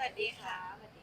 วัสดีค่ะ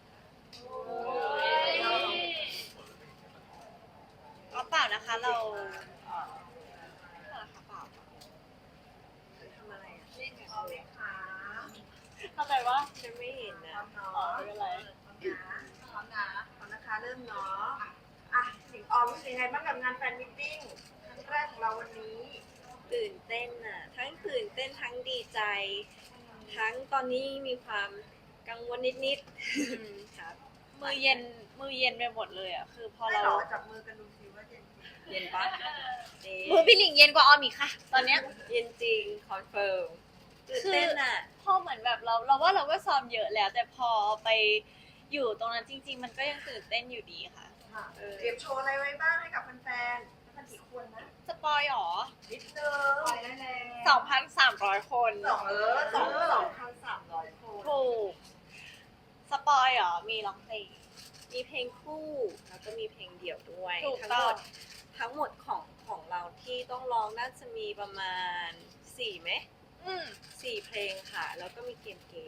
ก็เปล่านะคะเราเอ่อเปล่าค่ะเปล่าทำอะไรอ่ะเล่นกันเลยทำไมวะฉันไม่เห็นนะไม่เป็นไรพร้อมนะคะเริ่มเนาะหญิงออมรู้สึกยังไงบ้างกับงานแฟนมิทติ้งครั้งแรกของเราวันนี้ตื่นเต้นอ่ะทั้งตื่นเต้นทั้งดีใจทั้งตอนนี้มีความกังวลนิดๆครับมือเย็นไปหมดเลยอ่ะคือพอเราจับมือกันดูซิว่าเย็นปะมือพี่หลิงเย็นกว่าออมอีกค่ะตอนเนี้ยเย็นจริงคอนเฟิร์มตื่นเต้นอ่ะพอเหมือนแบบเราว่าเราก็ซ้อมเยอะแล้ว แต่พอไปอยู่ตรงนั้นจริงๆมันก็ยังตื่นเต้นอยู่ดีค่ะเตรียมโชว์อะไรไว้บ้างให้กับแฟนๆกี่คนนะสปอยหรอนิดนึงปล่อยได้แล้ว 2,300 คน 2,300 คนถูกสปอยหรอมีร้องเพลงมีเพลงคู่แล้วก็มีเพลงเดี่ยวด้วยถูกทั้งต้หมองดของเราที่ต้องร้องน่าจะมีประมาณ4ไหม4เพลงค่ะแล้วก็มีเกมเก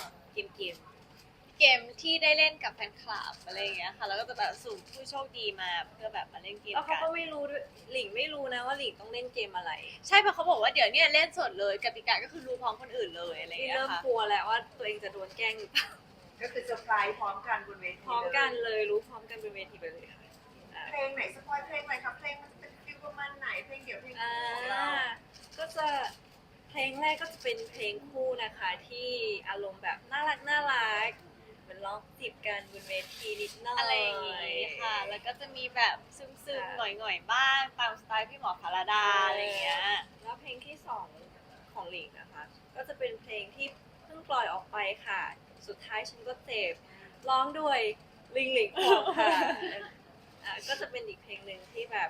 มที่ได้เล่นกับแฟนคลับอะไรอย่างเงี้ยค่ะแล้วก็จะแบบสุ่มผู้โชคดีมาเพื่อแบบมาเล่นเกมแล้วเขากันก็ไม่รู้ด้วยหลิงไม่รู้นะว่าหลิงต้องเล่นเกมอะไรใช่เพราะเขาบอกว่าเดี๋ยวเนี่ยเล่นสดเลยกติกาก็คือรู้พร้อมคนอื่นเลยอะไรอย่างที่เงี้ยค่ะเริ่มกลัวแล้วว่าตัวเองจะโดนแกล้งหรือเปล่าก็คือเซอร์ไพรส์พร้อมกันบนเวทีพร้อมกันเลยรู้พร้อมกันบนเวทีไปเลยค่ะเพลงไหนสปอยเพลงอะไรครับเพลงมันจะเป็นฟิลประมาณไหนเพลงเดี่ยวเพลงคู่ของเราก็จะเพลงแรกก็จะเป็นเพลงคู่นะคะที่อารมณ์แบบน่ารักเหมือนร้องจีบกันบนเวทีนิดหน่อยอะไรอย่างงี้ค่ะแล้วก็จะมีแบบซึมๆหน่อยๆบ้างตามสไตล์พี่หมอพาราดาอะไรอย่างเงี้ยแล้วเพลงที่2ของหลิงนะคะก็จะเป็นเพลงที่เพิ่งปล่อยออกไปค่ะสุดท้ายฉันก็เจ็บร้องด้วยลิงหลิงพองค่ะก็จะเป็นอีกเพลงหนึ่งที่แบบ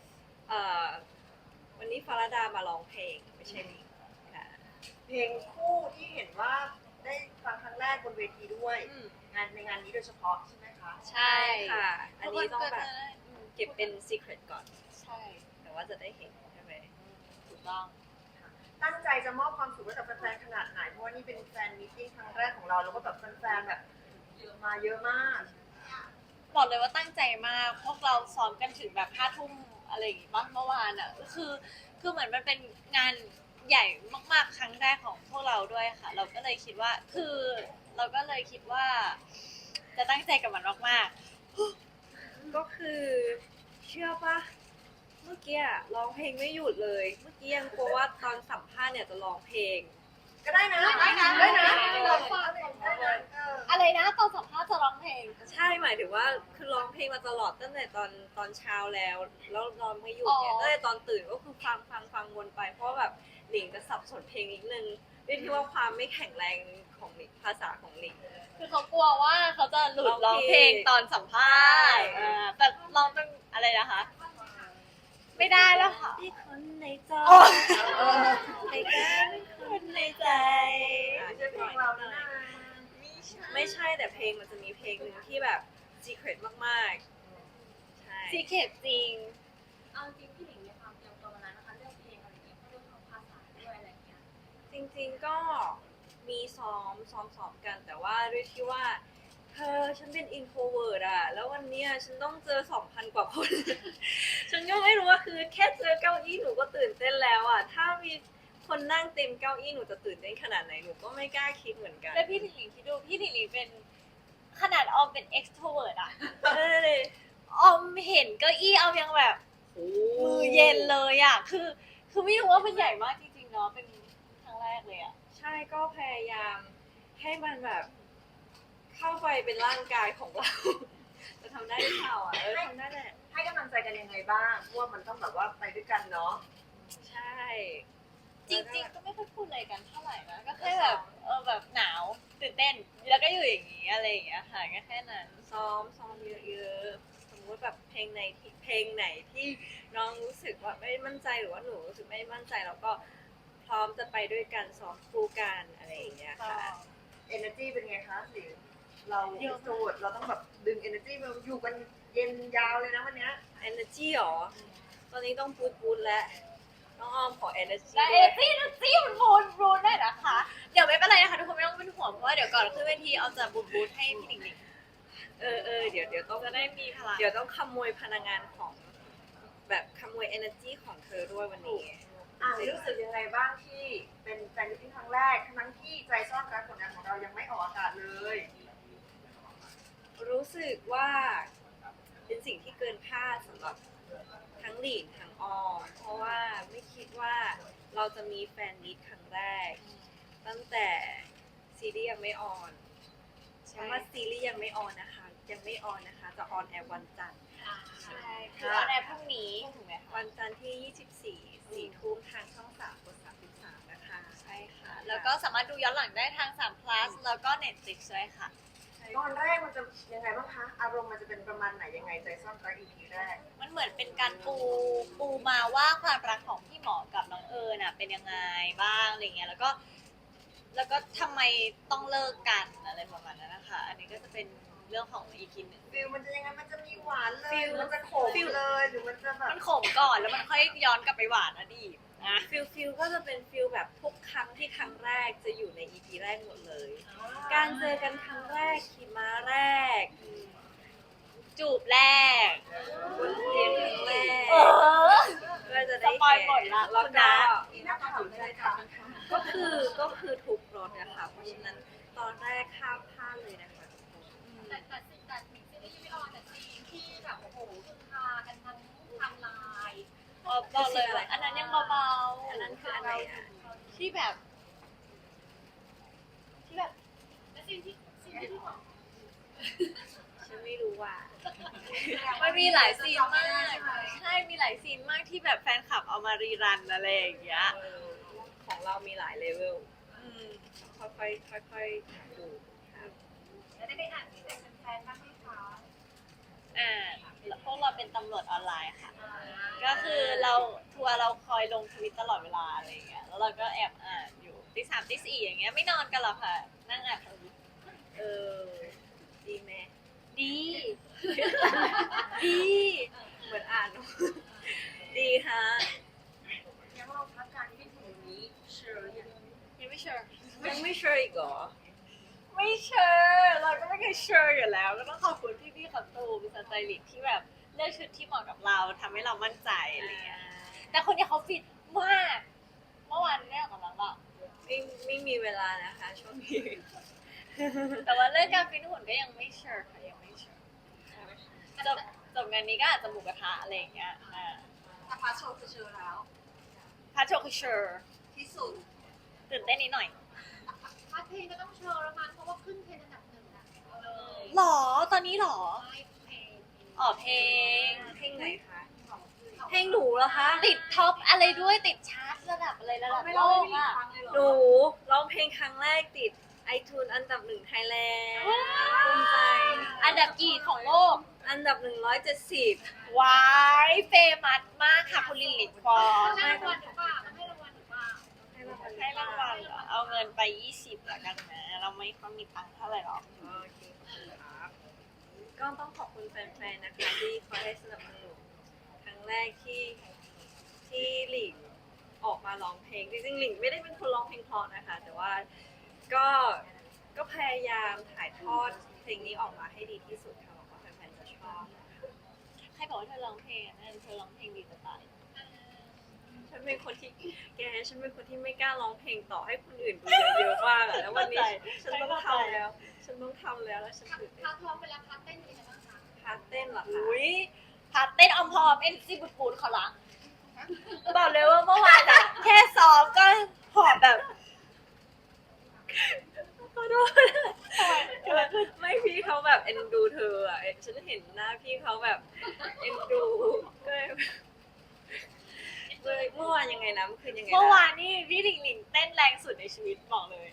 วันนี้ฟาราดามาร้องเพลงไม่ใช่หลิงค่ะเพลงคู่ที่เห็นว่าได้ฟังครั้งแรกบนเวทีด้วยในงานนี้โดยเฉพาะใช่ไหมคะใช่ค่ะอันนี้ต้องแบบเก็บเป็น secret ก่อนใช่แต่ว่าจะได้เห็นใช่ไหมถูกต้องตั้งใจจะมอบความสุขให้กับแฟนๆขนาดไหนเพราะว่านี่เป็นแฟนมีตติ้งครั้งแรกของเราแล้วก็แบบแฟนๆแบบเยอะมากบอกเลยว่าตั้งใจมากพวกเราซ้อมกันถึงแบบ5 ทุ่มอะไรอย่างงี้บ้างเมื่อวานอ่ะคือเหมือนมันเป็นงานใหญ่มากๆครั้งแรกของพวกเราด้วยค่ะเราก็เลยคิดว่าจะตั้งใจกับมันมากก็คือเชื่อปะเมื่อกี้ร้องเพลงไม่หยุดเลยเมื่อกี้ยังกลัวว่าตอนสัมภาษณ์เนี่ยจะร้องเพลงก็ได้นะอะไรนะตอนสัมภาษณ์จะร้องเพลงใช่หมายถึงว่าคือร้องเพลงมาตลอดตั้งแต่ตอนเช้าแล้วร้องไม่หยุดเนี่ยตั้งแต่ตอนตื่นก็คือฟังวนไปเพราะแบบหลิงจะสับสนเพลงนิดนึงด้วยที่ว่าความไม่แข็งแรงของหลิงภาษาของหลิงคือเขากลัวว่าเขาจะหลุดร้องเพลงตอนสัมภาษณ์แต่ร้องเป็นอะไรนะคะไม่ได้แล้วค่ะที่คนในใจในกันคนในใจไม่ใช่เพลงเรานะไม่ใช่แต่เพลงมันจะมีเพลงหนึ่งที่แบบ secret มากๆใช่ secret จริงเอาจริงพี่หลิงในความเตรียมตัววันนั้นนะคะเรื่องเพลงอะไรอย่างเงี้ยเรื่องของภาษาด้วยอะไรอย่างเงี้ยจริงๆก็มีซ้อมกันแต่ว่าด้วยที่ว่าฉันเป็น introvert อะแล้ววันนี้ฉันต้องเจอ 2,000 กว่าคน ฉันก็ไม่รู้ว่าคือแค่เจอเก้าอี้หนูก็ตื่นเต้นแล้วอะถ้ามีคนนั่งเต็มเก้าอี้หนูจะตื่นเต้นขนาดไหนหนูก็ไม่กล้าคิดเหมือนกันแล้วพี่หลิงคิดดูพี่หลิงเป็นขนาดออมเป็น extrovert อะออมเห็นเก้าอี้ออมยังแบบมือเย็นเลยอะคือไม่รู้ว่ามันใหญ่มากจริงๆเนาะเป็นครั้งแรกเลยอะใช่ก็พยายามให้มันแบบเข้าไปเป็นร่างกายของเราจะทำได้หรือเปล่าทำได้แหละให้กำลังใจกันยังไงบ้างเพราะว่ามันต้องแบบว่าไปด้วยกันเนาะใช่จริงๆก็ไม่ค่อยพูดอะไรกันเท่าไหร่นะก็แค่แบบแบบหนาวตื่นเต้นแล้วก็อยู่อย่างนี้อะไรอย่างเงี้ยค่ะแค่นั้นซ้อมเยอะๆสมมติแบบเพลงไหนที่น้องรู้สึกว่าไม่มั่นใจหรือว่าหนูรู้สึกไม่มั่นใจแล้วก็พร้อมจะไปด้วยกันซ้อมคู่กันอะไรอย่างเงี้ยค่ะ energy เป็นไงคะหลิงเราโสดเราต้องแบบดึง energy มาอยู่กันเย็นยาวเลยนะวันนี้ energy หรอตอนนี้ต้องพูดแล้วน้องออมขอ energy และด้วย energy มันบูนได้นะคะ เดี๋ยวไม่เป็นไรนะคะทุกคนไม่ต้องเป็นห่วงเพราะว่าเดี๋ยวก่อนขึ้นเวทีเอาจะบูนให้พี่หนิงหนิงเดี๋ยวต้องจะได้มีพลังเดี๋ยวต้องขโมยพลังงานของแบบขโมย energy ของเธอด้วยวันนี้รู้สึกยังไงบ้างที่เป็นแฟนมิตติ้งครั้งแรกทั้งที่ใจซ่อนรักผลงานของเรายังไม่ออกอากาศเลยรู้สึกว่าเป็นสิ่งที่เกินคาดสำหรับทั้งหลีนทั้งออม เพราะว่าไม่คิดว่าเราจะมีแฟนมิตครั้งแรก ตั้งแต่ซีรีส์ยังไม่ออนเพราะว่าซีรีส์ยังไม่ออนนะคะ จะออนแอร์วันจันทร์ใช่คือวันแรกพรุ่งนี้ถูกไหมคะวันจันทร์ที่ 24 4 ทุ่มทางช่อง3กด33นะคะใช่ค่ะ แล้วก็สามารถดูย้อนหลังได้ทาง3 plus แล้วก็ Netflix ด้วยค่ะตอนแรกมันจะยังไงบ้างคะ อารมณ์มันจะเป็นประมาณไหนยังไงใจซ่อนรัก EP แรกมันเหมือนเป็นการปูมาว่าความรักของพี่หมอกับน้องเอิญน่ะเป็นยังไงบ้างอะไรเงี้ยแล้วก็ทำไมต้องเลิกกันอะไรประมาณนั้นนะคะ อันนี้ก็จะเป็นเรื่องของ EP หนึ่งฟิลมันจะยังไง มันจะมีหวานเลยฟิลมันจะขมเลยหรือมันจะแบบมันขมก่อนแล้วมันค่อยย้อนกลับไปหวานอดีตนะฟิลก็จะเป็นฟิลแบบทุกครั้งที่ครั้งแรกจะอยู่ใน EP แรกหมดเลย การเจอกันครั้งแรกขี่ม้าแรกจูบแรกบนเตียงครั้งแรกอก็จะได้สปอยหมดละแล้วคุณก็นะมีนักข่าวเลยค่ะก็คือทุกรถนะคะเพราะฉะนั้นตอนแรกข้ามพลาดเลยนะคะทุกคนแต่ซีรีส์ไม่ออนแต่ซีนที่แบบโอ้โหคือพากันทั้งทำลายบอกเลยว่าอันนั้นยังเบาๆอันนั้นคืออะไรอ่ะที่แบบและซีนที่บอกฉันไม่รู้ว่ามันมีหลายซีนมาก ใช่ มีหลายซีนมากที่แบบแฟนคลับเอามารีรันอะไรอย่างเงี้ยของเรามีหลายเลเวลอืมค่อยๆดูครับแล้วได้อ่านที่แต่แฟนๆบ้างไหมคะพวกเราเป็นตำรวจออนไลน์ค่ะ ก็คือเราทัวร์เราคอยลงทวิตตลอดเวลาอะไรอย่างเงี้ย แล้วเราก็แอบอ่านอยู่ตี 3ตี 4อย่างเงี้ยไม่นอนกันหรอกค่ะ นั่งอ่านทวิตเออดีไหมดี ดีเหมือนอ่านเนอะดีฮะยังเราพักการที่ถึงนี้เชิญอย่างยังไม่เชื่อยังไม่ sure อีกเหรอไม่เชื่อเราก็ไม่เคยเชื่ออยู่แล้ว ก็ต้องขอบคุณพี่ๆขอตูมสไตลิสต์ที่แบบเลือกชุดที่เหมาะกับเราทำให้เรามั่นใจอะไรเงี้ย แต่คนนี้เขาฟิตมาก เมื่อวานได้ออกกำลังบ้างไม่มีเวลานะคะช่วงนี้แต่ว่าเรื่องการฟิตหุ่นก็ยังไม่เชื่อค่ะยังไม่เชื่อจบงานนี้ก็อาจจะหมูกระทะอะไรอย่างเงี้ยถ้าพาโชว์คือเชิญแล้วพาโชคือเชื่อที่สุดตื่นเต้นนิดหน่อยพาร์ทเพลงก็ต้องเชิญแล้วมันเพราะว่าขึ้นเทรนด์อันดับหนึ่งนะหรอตอนนี้หรอไม่เพลงอ๋อเพลงเพลงไหนคะ เพลงหนูเหรอคะติดท็อปอะไรด้วยติดชาร์ตระดับอะไรระดับโลกอ่ะหนูร้องเพลงครั้งแรกติด iTunes อันดับ1ไทยแลนด์ภูมิใจอันดับกี่ของโลกอันดับ170 วายเฟมัสมากค่ะคุณลิลลิฟอร์ให้รางวัลหรือเปล่าให้รางวัลหรือเปล่าให้รางวัลเหรอเอาเงินไป20ละกันนะเราไม่ค่อยมีตังค์เท่าไหร่หรอกโอเคขอบคุณครับ ก็ต้องขอบคุณแฟนๆ นะคะที่คอยให้สนับสนุนครั้งแรกที่หลิงออกมาร้องเพลง จริงๆหลิงไม่ได้เป็นคนร้องเพลงเพราะนะคะ แต่ว่าก็พยายามถ่ายทอดเพลงนี้ออกมาให้ดีที่สุดค่ะหวังว่าแฟนๆ จะชอบใครบอกว่าเธอร้องเพลงอ่ะนั่นเธอร้องเพลงดีจะตายฉันเป็นคนที่ฉันเป็นคนที่ไม่กล้าร้องเพลงต่อให้คนอื่นดูเยอะๆมากอะแล้ววันนี้ฉันต้องทำแล้ว ฉันต้องทำแล้วแล้วฉันตื่นเต้นพาร์ทร้องไปแล้วพาร์ทเต้นเป็นยังไงบ้างคะพาร์ทเต้นเหรอคะอุ้ยพาเต้นออมพอมเอ็นซีบุดปูดเขาละบอกเลยว่าเมื่อวานอ่ะ แค่ซ้อมก็หอบแบบขอโทษไม่พี่เขาแบบเอ็นดูเธออ่ะฉันเห็นหน้าพี่เขาแบบเอ็นดูก็เลยเมื่อวานยังไงนะเมื่อคืนยังไงนะเมื่อวานนี่พี่หลิงหลิงเต้นแรงสุดในชีวิตบอกเลย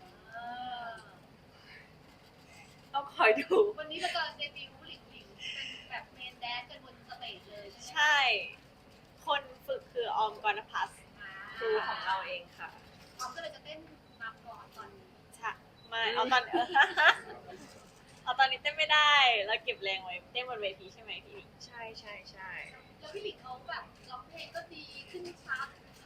ต้องคอยดูวันนี้เราจะเดบิวต์หลิงเป็นแบบเมนแดนกันบนสเตจเลยใช่ไหมใช่ คนฝึกคือออมกรณพัฒน์ครูของเราเองค่ะออมก็เลยจะเต้นนำก่อนตอนนี้ใช่ไม่เอาตอน เอาตอนนี้เต้นไม่ได้ แล้วเก็บแรงไว้เต้นบนเวทีใช่ไหมพี่หลิงใช่แล้วพี่หลิงเขาแบบร้องเพลงก็ดีขึ้นชาร์ตท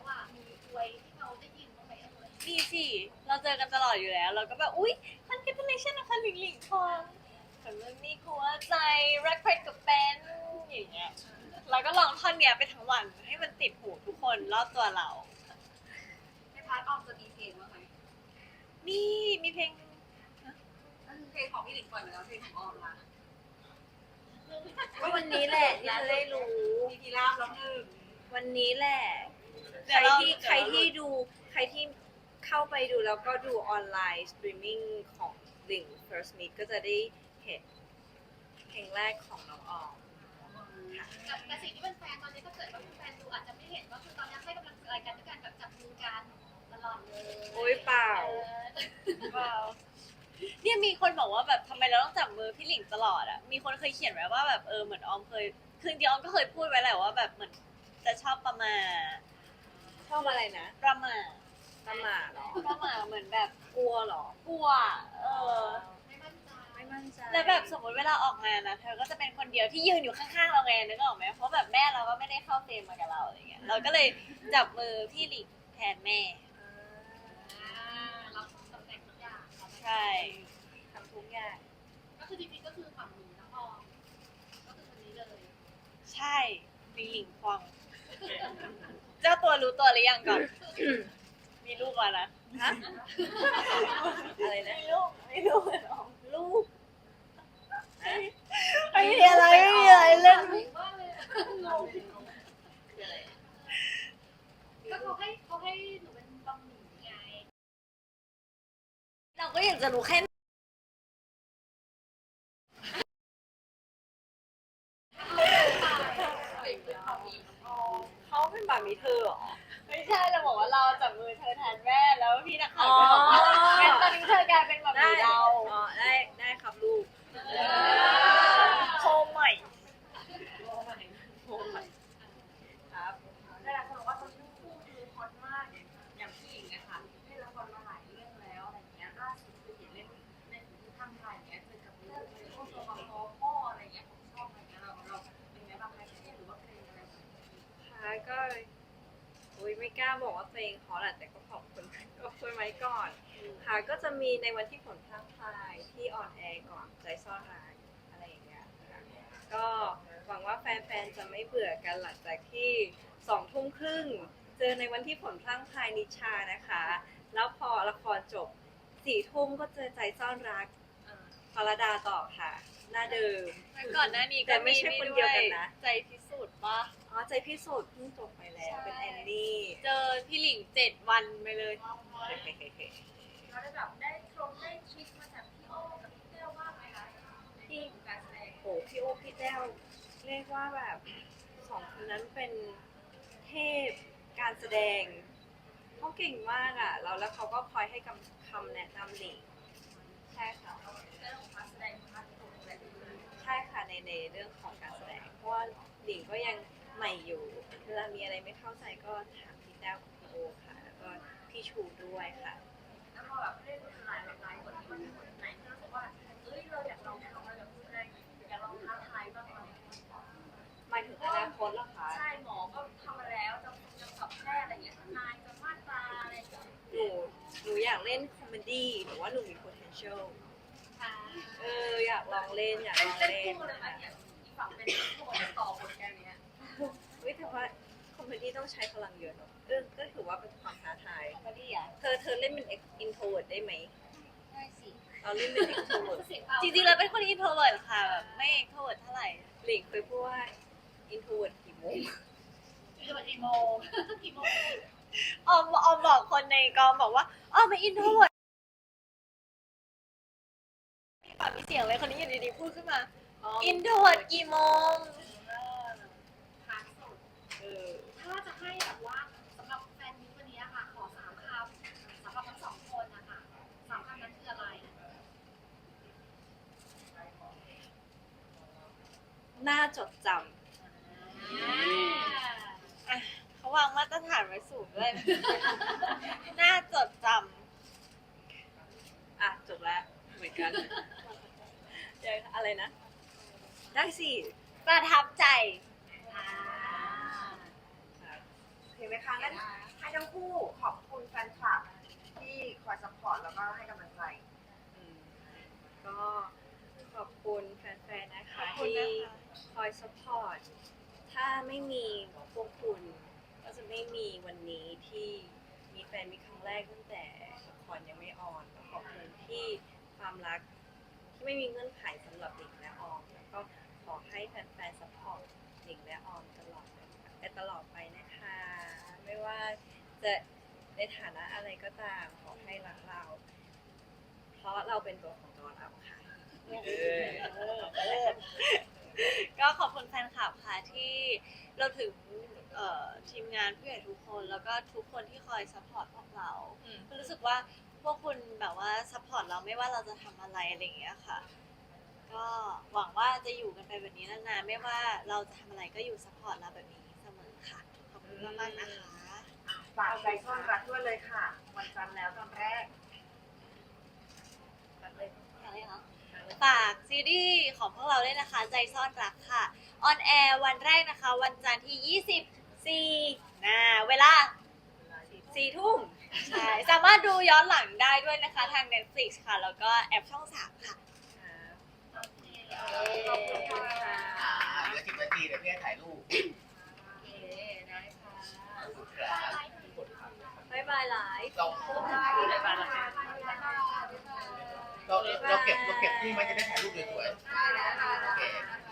อ่ะมีอวยที่เขาได้ยินบ้างไหมเอ่ยดีสิ เราเจอกันตลอดอยู่แล้ว เราก็แบบ อุ๊ย congratulation นะคะหลิงหลิงทองสำหรับนี่หัวใจรักใครกับแฟนอย่างเงี้ยเราก็ลองท่อนเนี้ยไปทั้งวันให้มันติดหูทุกคนรอบตัวเราในพาร์ทออมจะมีเพลงบ้างไหมมีเพลงเพลงของพี่หลิงปล่อยมาแล้วเพลงของออมล่ะก็วันนี้แหละที่จะได้รู้มีทีราบแล้วหนึ่งวันนี้แหละเดี๋ยวเราใครที่เข้าไปดูแล้วก็ดูออนไลน์สตรีมมิ่งของหลิง First Meet ก็จะได้เห็นเพลงแรกของน้องออมแต่สิ่งที่เป็นแฟนตอนนี้ถ้าเกิดว่าเป็นแฟนดูอาจจะไม่เห็นว่าคือตอนนี้ให้กำลังใจกันด้วยการแบบจับมือกันตลอดเลยโอ๊ยเปล่าว้าวเนี่ยมีคนบอกว่าแบบทำไมเราต้องจับมือพี่หลิงตลอดอ่ะ มีคนเคยเขียนไว้ว่าแบบเหมือนออมเคยคือจริงๆออมก็เคยพูดไว้แหละว่าแบบเหมือนจะชอบประมาทชอบอะไรนะประมาทประมาทเหรอประมาทเหมือนแบบกลัวเหรอกลัวไม่มั่นใจไม่มั่นใจแล้วแบบสมมติเวลาออกงานนะเธอก็จะเป็นคนเดียวที่ยืนอยู่ข้างๆเราไงนึกออกไหมเพราะแบบแม่เราก็ไม่ได้เข้าเฟรมมากับเราอะไรเงี้ยเราก็เลยจับมือพี่หลิงแทนแม่รับตำแหน่งทุกอย่างใช่ทำทุกอย่างก็คือจริงๆก็คือฝั่งหนูนะออมก็คือคนนี้เลยใช่หลิงหลิงควงเจ้าตัวรู้ตัวหรือยังก่อน มีลูกมานะฮะ อะไรนะมีลูกน้องลูกไม่มีอะไรเล่นว่าเลยงงก็เขาให้หนูเป็นบะหมี่ไงเราก็อยากจะรู้แค่เขาเป็นบามีเธอเหรอไม่ใช่เราบอกว่าเราจับมือเธอแทนแม่แล้วพี่นักข่าวก็บอกว่างั้นตอนนี้เธอกลายเป็นแบบได้เราอ๋อได้ครับลูกโคมใหม่ครับหลายคนบอกว่าตอนนี้คู่คือฮอตมากอย่างพี่หญิงนะคะเล่นละครมาหลายเรื่องแล้วอะไรเงี้ยล่าสุดคือเห็นเล่นในทางไทยเงี้ยเจอกับเรื่องพวกตัวละครพ่ออะไรเงี้ยผมชอบอะไรเงี้ยเราเป็นไงบ้างคะเครียดหรือว่าเพลงอะไรค่ะก็อุ้ยไม่กล้าบอกว่าตัวเองฮอตอะแต่ก็ขอบคุณก็คุยไว้ก่อน ค่ะก็จะมีในวันที่ผลพลางพลายที่ออนแอร์ก่อนใจซ่อนรักอะไรอย่างเงี้ยค่ะก็หวังว่าแฟนๆจะไม่เบื่อกันหลังจากที่20:30เจอในวันที่ผลพลางพลายนิชานะคะ แล้วพอละครจบ4 ทุ่มก็เจอใจซ่อนรักฟารดาต่อค่ะหน้าเดิมก่อนหน้านี้แต่ไม่ใช่คนเดียวกันนะใจพิสูจน์ปะอ๋อใจพิสูจน์เพิ่งจบไปแล้วเป็นแอนนี่เจอพี่หลิง7 วันไปเลยเราได้แบบได้ทริคมาจากพี่โอ้กับพี่เต้วบ้างไหมคะที่การแสดงโอ้พี่โอพี่แต้วเรียกว่าแบบ2 คนนั้นเป็นเทพการแสดงเขาเก่งมากอ่ะแล้วเขาก็คอยให้คำแนะนำหลิงใช่ค่ะเรื่องของการแสดงพาร์ทตรงอะไรอย่างเงี้ยใช่ค่ะในเรื่องของการแสดงเพราะว่าหลิงก็ยังใหม่อยู่เวลามีอะไรไม่เข้าใจก็ถามพี่แต้วกับพี่โอค่ะ แล้วก็พี่ชูด้วยค่ะแล้วพอแบบเล่นหลายบทที่มันมีบทไหนที่รู้สึกว่าเอ้ยเราอยากลองทำอะไรแบบแสดงอยากลองท้าทายบ้างไหมหมายถึงอนาคตเหรอคะใช่หมอก็ทำมาแล้วจะสอบแพทย์อะไรเงี้ยทนายจะมาตราอะไรอย่างเงี้ยหนูอยากเล่นคอมเมดี้หนูว่าหนูมี potential ค่ะอยากลองเล่นอยากลองเล่นเล่นคู่เลยไหมค่ะเนี่ยอีกฝั่งเป็นผู้บทต่อบทแกเนี้ยแต่ว่าคอมเมดี้ต้องใช้พลังเยอะเนอะก็ถือว่าเป็นความท้าทายคอมเมดี้อ่ะเธอเล่นเป็น introvert ได้ไหมได้สิเราเล่นเป็น extrovert เสียงเบาจริงๆเราเป็นคนอินโทรเวิร์ตค่ะแบบไม่เอ็กโทรเวิร์ตเท่าไหร่หลิงเคยพูดว่า introvert กี่โมงคือวันกี่โมงกี่โมงออมบอกคนในกองบอกว่าออมเป็นอินโทรเวิร์ตมีปากมีเสียงเลยคนนี้อยู่ดีๆพูดขึ้นมา อินโทรเวิร์ตกี่โมงทางสุดเออถ้าจะให้แบบว่าสำหรับแฟนมิตรวันนี้ค่ะขอ3 คำสำหรับทั้ง2 คนนะคะ3 คำนั้นคืออะไรน่าจดจอ่ะเขาวางมาตรฐานไว้สูงด้วย น่าจดจำจบแล้วเหมือนกันเดี๋ยวอะไรนะ ได้สิำประทับใจเห็นไหมคะงั้นให้ทั้งคู่ขอบคุณแฟนคลับที่คอยซัพพอร์ตแล้วก็ให้กำลังใจอืมก็ขอบคุณแฟนๆ นะคะขอบคุณที่นะคะคอยสปอร์ต ถ้าไม่มีพวกคุณ ก็จะไม่มีวันนี้ที่มีแฟนมีครั้งแรกตั้งแต่ละครยังไม่ออนก็ขอบคุณที่ความรักที่ไม่มีเงื่อนไขสำหรับหลิงและออม แล้วก็ขอให้แฟนๆ สปอร์ตหลิงและออมตลอดไปนะคะ ไม่ว่าจะในฐานะอะไรก็ตามขอให้รักเรา เพราะเราเป็นตัวของตัวเราค่ะก็ขอบคุณแฟนคลับค่ะที่เราถึงทีมงานผู้ใหญ่ทุกคนแล้วก็ทุกคนที่คอยซัพพอร์ตพวกเรารู้สึกว่าพวกคุณแบบว่าซัพพอร์ตเราไม่ว่าเราจะทำอะไรอะไรอย่างเงี้ยค่ะ ก็หวังว่าจะอยู่กันไปแบบนี้นานๆไม่ว่าเราจะทำอะไรก็อยู่ซัพพอร์ตเราแบบนี้เสมอค่ะขอบคุณมากๆนะคะฝากใจซ่อนรักด้วยเลยค่ะ วันจันทร์แล้วตอนแรกฝากซีรีส์ของพวกเราด้วยนะคะ ใจซ่อนรักค่ะ ออนแอร์วันแรกนะคะ วันจันทร์ที่ 24 เวลา 4 ทุ่มใช่ สามารถดูย้อนหลังได้ด้วยนะคะทาง Netflix ค่ะ แล้วก็แอปช่อง 3 ค่ะขอบคุณค่ะเหลือ10 นาทีเดี๋ยวพี่ให้ถ่ายรูปโอเคได้ค่ะบ๊ายบายไลฟ์เราเก็บที่มันจะได้ถ่ายรูปสวยๆโอเค